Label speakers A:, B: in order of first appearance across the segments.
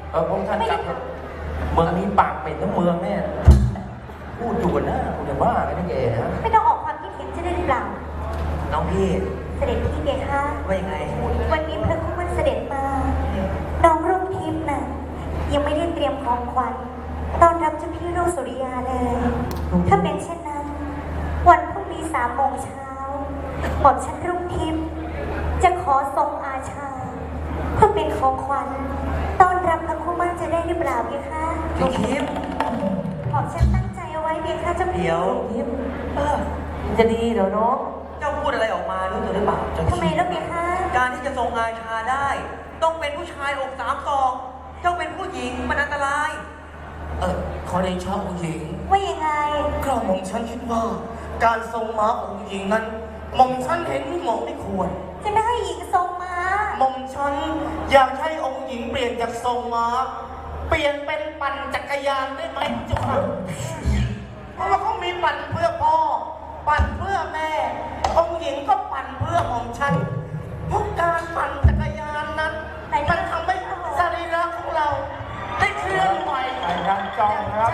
A: พงท่านกลับเมืองนี้ปากเป็นทั้งเมืองเนี่ยพูดอยู่กันนะคุณจะบ้ากันได้ไงฮะ
B: ไม่ต้องออกความคิดเห็นจะได้หรือเปล่า
C: น้องพี่
B: เสด็จพี่เบคะ
C: ว่ายังไง
B: วันนี้พระคุณมันเสด็จมาน้องรุ่งทิพย์น่ะยังไม่ได้เตรียมของขวัญต้อนรับเจ้าพี่รุ่งสุริยาเลยถ้าเป็นเช่นนั้นวันพรุ่งนี้3 โมงเช้าหม่อมฉันรุ่งทิพย์จะขอทรงอาชาเพื่อเป็นของขวัญต้อนรับพระคุณมันจะได้หรือเปล่าเบคะ
C: น้องทิพย์
B: หม่อมฉันตั้งใจเอาไว้เบคะเจ้าพี่
C: เดี๋ยวทิพย์
A: จะดีเดี๋ยวน้อง
C: เจ้าพูดอะไรออกมารู้ตัวหรือเปล่า
B: ทำไมแล้วเบคะ
C: การที่จะทรงอาชาได้ต้องเป็นผู้ชายอก3 ศอกเจ้าเป็นผู้หญิงมันอันตราย
A: ขอเดชะองค์หญิง
B: ว่ายังไง
A: กระหม่อมฉันคิดว่าการทรงม้าขององค์หญิงนั้นหม่อมฉันเห็นไม่เหมาะไม่ควร
B: จะไม่ให้หญิงทรงม้า
A: หม่อมฉันอยากให้องค์หญิงเปลี่ยนจากทรงม้าเปลี่ยนเป็นปั่นจักรยานได้ไหมเจ้าค่ะเพราะว่าเขามีปั่นเพื่อพ่อปั่นเพื่อแม่องค์หญิงก็ปั่นเพื่อหม่อมฉันเพราะการปั่นจักรยานนั้นมันทำให้สรีระของเราได้เคลื่อนไหวยังจองครับ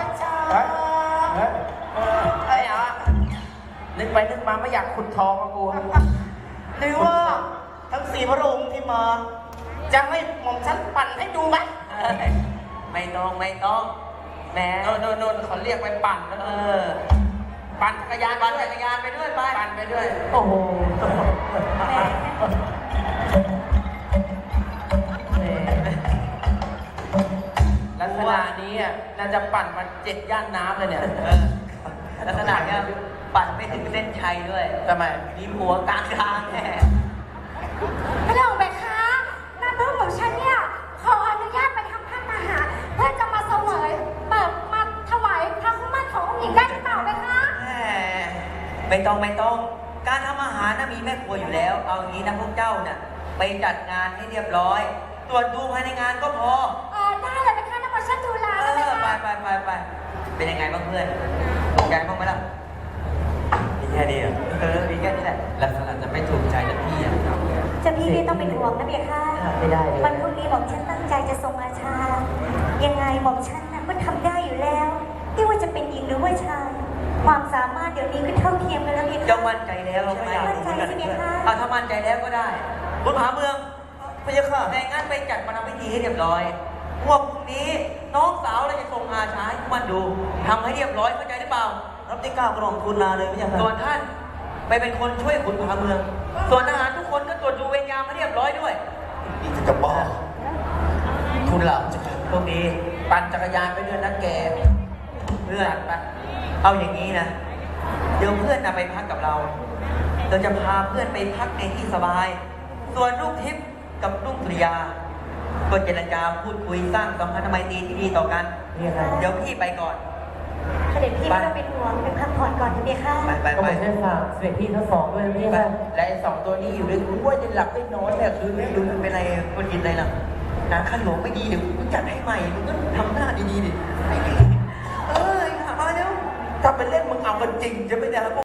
A: ไอ้อะนึกไปนึกมาไม่อยากขุดทองกับกูหรือว่าทั้ง4 พระองค์ที่มาจะให้หม่อมฉันปั่นให้ดูไหม
C: ไม่ต้องแม่
A: โน่นเขาเรียกไปปั่นปั่นจักรยาน
C: ไปด้วยไป
A: ปั่นไปด้วยโอ้โหลักษณะนี้น่าจะปั่นมา7 ย่านน้ำเลยเนี่ย
C: ลักษณะเนี้ยปั่นไม่ถึงเส้นชัยด้วย
A: ทำไม
C: มีหัวกลางทางแน่
B: พระองค์เบคะน้าเพื่อนของฉันเนี่ยขออนุญาตไปทำพระมหาเพื่อจะมาเสวยมาถวายพระคุ้มมั่นขององค์หญิงได้หรือเปล่าเบคะ
C: ไม่ต้องการทำอาหารน่ะมีแม่ครัวอยู่แล้วเอางี้นะพวกเจ้าน่ะไปจัดงานให้เรียบร้อยตรวจดูภายในงานก็พอ
B: ได้เลยเบคะน้ำมันฉันดูแล
C: ไปเป็นยังไงบ้างเพื่อนถูกใจบ้างไหมล่ะมีแค่นี้มีแค่นี้แหละลักษณะจะไม่ถูกใจนะพี่
B: จะพี่ไม่ต้องเป็นห่วงนะเบียค่ะ
C: ไม่ได้
B: วันพรุ่งนี้หม่อมฉันตั้งใจจะทรงอาชายังไงหม่อมฉันก็ทำได้อยู่แล้วไม่ว่าจะเป็นหญิงหรือว่าชายความสามารถเดี๋ยวนี้ก็เท่าเทียมกันแล้วเบียค่ะ
C: จะมั่นใจแล้วใช่ไหม
B: มั่นใจใช่ไหมคะ
C: ถ้ามั่นใจแล้วก็ได้คุณผาเมืองพะยะค่ะในงั้นไปจัดประพิธีให้เรียบร้อยพวกนี้น้องสาวเราจะส่งอาชาให้มันดูทำให้เรียบร้อยเข้าใจหรือเปล่ารับที่9 กล่องทุนนาเลยพะยะค่ะส่วนท่านไปเป็นคนช่วยขุนผาเมืองส่วนทหารทุกคนก็ตรวจดูเวรยามให้เรียบร้อยด้วย
A: นี่จะบ้าคุณหลับจะ
C: ตรงนี้
A: ปั่นจักรยานไปด้วยนะแก
C: เพื่อนไปเอาอย่างนี้นะเดี๋ยวเพื่อนไปพักกับเราจะพาเพื่อนไปพักในที่สบายส่วนลูกทิพย์กับลูกสุริยาก็เจรจาพูดคุยสร้างสัมพันธไมตรีที่ดีต่อกันเดี๋ยวพี่ไปก่อน
B: เสด็จพี่ไม่ต้องเป็นห่วงเป็นพักผ่อนก่อนนะเบียค่ะ
C: ไปเส้นฝากเสด็จพี่ทั้ง2ด้วยพี่ค่ะ
A: และไอ้2 ตัวนี้อยู่ด้วยกูว่าจะหลับได้นอนเนี่ยคืนนี้
C: ดูมันเป็นอะไรคนกินอะไรล่ะน้ำขั้นหลวงไม่ดีเดี๋ยวกูจัดให้ใหม่มึงก็ทำหน้าดีๆดิ
A: มาเร็วถ้าเป็นเล่นมึงเอากันจริงจะไม่ได้